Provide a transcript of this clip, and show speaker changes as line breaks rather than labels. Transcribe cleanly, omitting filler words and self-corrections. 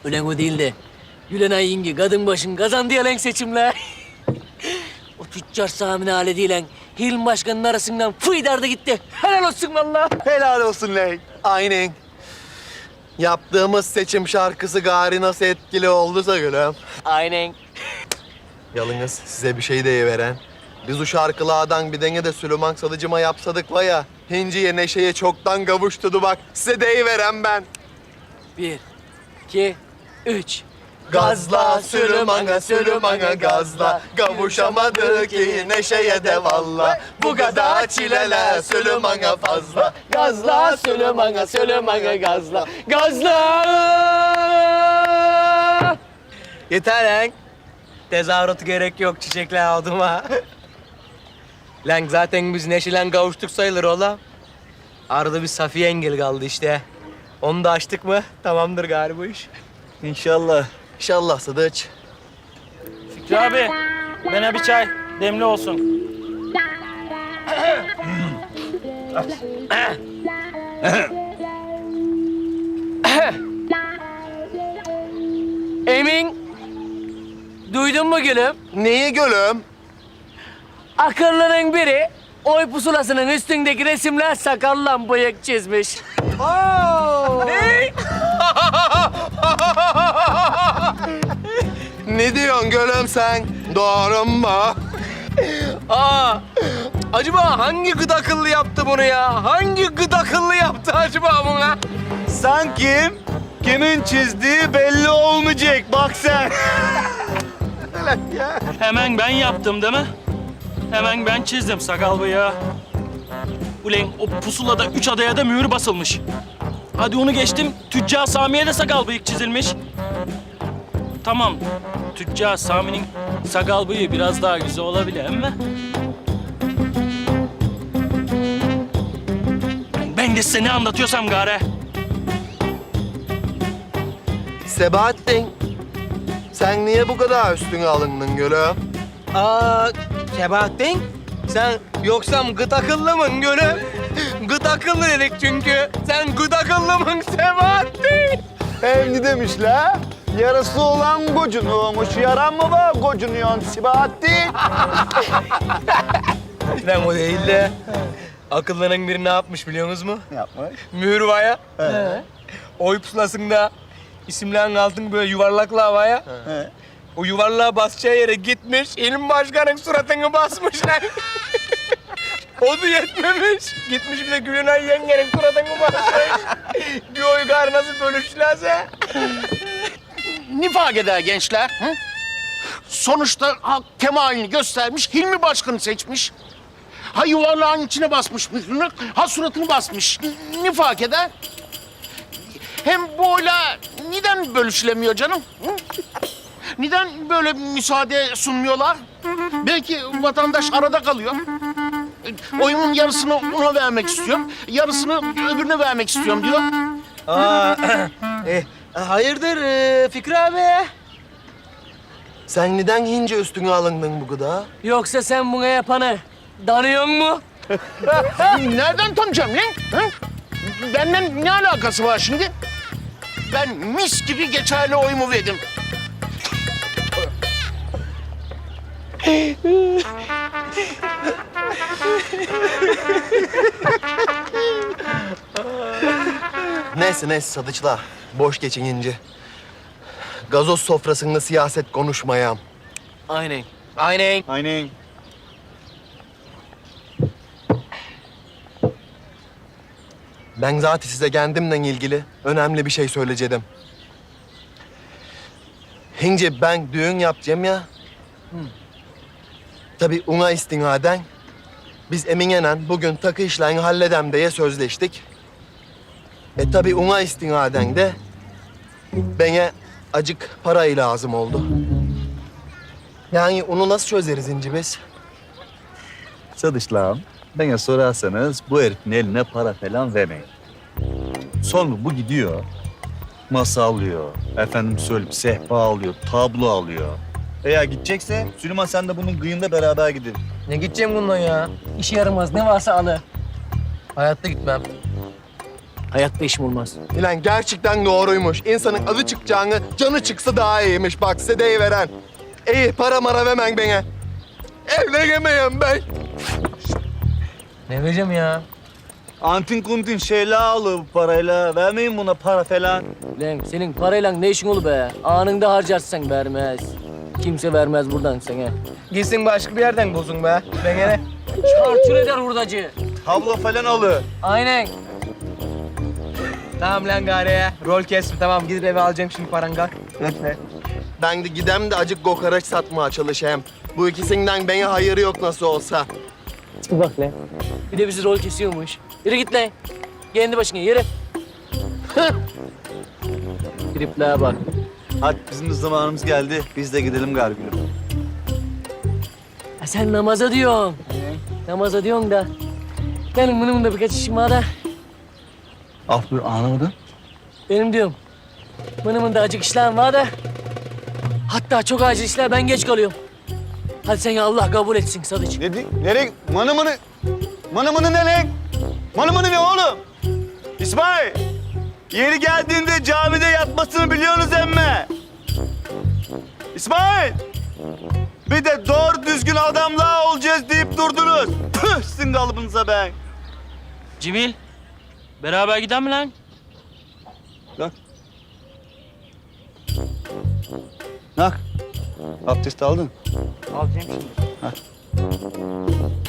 Ulan o değil de Gülenay yenge kadın başın kazandı ya lan seçimler. O tüccar Sami'nin haletiyle Hilmi Başkan'ın arasından fıydardı gitti. Helal olsun vallahi.
Helal olsun lan. Aynen. Yaptığımız seçim şarkısı gari nasıl etkili olduysa gülüm.
Aynen.
Yalnız size bir şey deyiveren. Biz o şarkılardan bir denge de Süleyman Salıcıma yapsadık var ya. Hinciye neşeye çoktan kavuşturdu bak. Size deyiveren ben.
1, 2, 3.
Gazla Süleyman'a gazla. Kavuşamadık ki neşeye de valla. Bu kadar çileler Süleyman'a fazla.
Gazla Süleyman'a gazla. Gazla! Yeter lan. Tezahüratı gerek yok çiçekler aldıma. Lan zaten biz neşelen kavuştuk sayılır ola. Arada bir Safiye engel kaldı işte. Onu da açtık mı tamamdır galiba bu iş.
İnşallah. İnşallah Sadıç.
Fikri abi, bana bir çay. Demli olsun.
Emin, duydun mu gülüm?
Neyi gülüm?
Akıllının biri oy pusulasının üstündeki resimler sakalla bıyık çizmiş. Ne?
Ne diyorsun gülüm sen? Doğru mu?
Acaba hangi gıda akıllı yaptı bunu ya? Hangi gıda akıllı yaptı acaba buna?
Sanki kimin çizdiği belli olmayacak. Bak sen.
Hemen ben yaptım değil mi? Hemen ben çizdim sakal bıyığı. Ulan o pusulada 3 adaya da mühür basılmış. Hadi onu geçtim, Tüccar Sami'ye de sakal bıyık çizilmiş. Tamam, Tüccar Sami'nin sakal bıyığı biraz daha güzel olabilir ama... Ben de size ne anlatıyorsam gari.
Sebahattin. Sen niye bu kadar üstüne alındın gülüm?
Sebahattin, sen yoksa gıt akıllı mın gülüm? Gıt akıllı dedik çünkü. Sen gıt akıllı mın Sebahattin?
Evli demişler. Yarısı olan gocunuyormuş. Yaran mı var gocunuyorsun Sibahattin?
Lan o değil de akıllının biri ne yapmış biliyorsunuz mu?
Ne yapmış?
Mühür var ya. Oy pusulasında isimlerin altını böyle yuvarlakla havaya. O yuvarlığa basacağı yere gitmiş, İlmi Başkan'ın suratını basmışlar. O da yetmemiş. Gitmiş bir de Gülenay yengenin suratını basmış. Bir oy gari nasıl bölüşlerse.
Ne fark eder gençler? Hı? Sonuçta halk temayülünü göstermiş, Hilmi Başkan'ı seçmiş. Ha yuvarlağın içine basmış mührünü, ha suratını basmış. Ne fark eder? Hem bu oyla neden bölüşülemiyor canım? Hı? Neden böyle müsaade sunmuyorlar? Belki vatandaş arada kalıyor. Oyumun yarısını ona vermek istiyorum, yarısını öbürüne vermek istiyorum diyor.
Hayırdır Fikri abi?
Sen neden hince üstüne alındın bu kadar? Yoksa
Sen buna yapanı danıyor mu?
Nereden tanıyacağım lan? Hı? Benden ne alakası var şimdi? Ben mis gibi geçerli oyumu verdim.
Neyse Sadıçla. Boş geçin ince. Gazoz sofrasında siyaset konuşmayam.
Aynen. Aynen.
Aynen.
Ben zaten size kendimle ilgili önemli bir şey söyleyeceğim. Hince ben düğün yapacağım ya. Tabii ona istinaden biz Emine'yle bugün takı işlerini halledem diye sözleştik. Tabii ona istinaden de bana acık parayı lazım oldu. Yani onu nasıl çözeriz İnci biz?
Sadışlağım, bana sorarsanız bu herifin eline para falan vermeyin. Sonra bu gidiyor, masa alıyor, efendim söyleyeyim sehpa alıyor, tablo alıyor. Eğer gidecekse Süleyman sen de bunun kıyında beraber gidin.
Ne gideceğim bundan ya? İşe yaramaz. Ne varsa alı. Hayatta gitmem.
Hayatta işim olmaz.
Ulan gerçekten doğruymuş. İnsanın adı çıkacağını canı çıksa daha iyiymiş. Bak size deyiveren. İyi para mara vermen bana. Evlenemeyim ben.
Ne vereceğim ya?
Antin kuntin şeyler alıyor bu parayla. Vermeyin buna para falan.
Lan senin parayla ne işin olur be? Anında harcarsan vermez. Kimse vermez buradan sana.
Gitsin başka bir yerden bozun be. Ben gene.
Çarçur eder hurdacı.
Tablo falan alıyor.
Aynen.
Tamam lan gari ya. Rol kestim tamam. Gidip eve alacağım şimdi paran kalk.
Ben de gidem de acık kokoreç satmaya çalışayım. Bu ikisinden bana hayırı yok nasıl olsa.
Bak lan. Bir de bizi rol kesiyormuş. Yürü git lan. Kendi başına yürü. Triplere bak.
Hadi bizim de zamanımız geldi. Biz de gidelim gargülüm.
Ha, sen namaza diyorsun. Namaza diyorsun da. Benim bunun da birkaç işim var da.
Af buyur anlamadım.
Benim diyorum. Bunun da acık işlerim var da. Hatta çok acil işler ben geç kalıyorum. Hadi sen ya Allah kabul etsin Sadıç.
Nereye? Manı mını? Manı mını ne lan? Manı mını ne oğlum? İsmail! Yeri geldiğinde camide yatmasını biliyorsunuz emme. İsmail! Bir de doğru düzgün adamlar olacağız deyip durdunuz. Püh sizin kalıbınıza ben.
Cemil, beraber gidelim mi lan?
Bak. Bak. Abdest aldın.
Alacağım şimdi.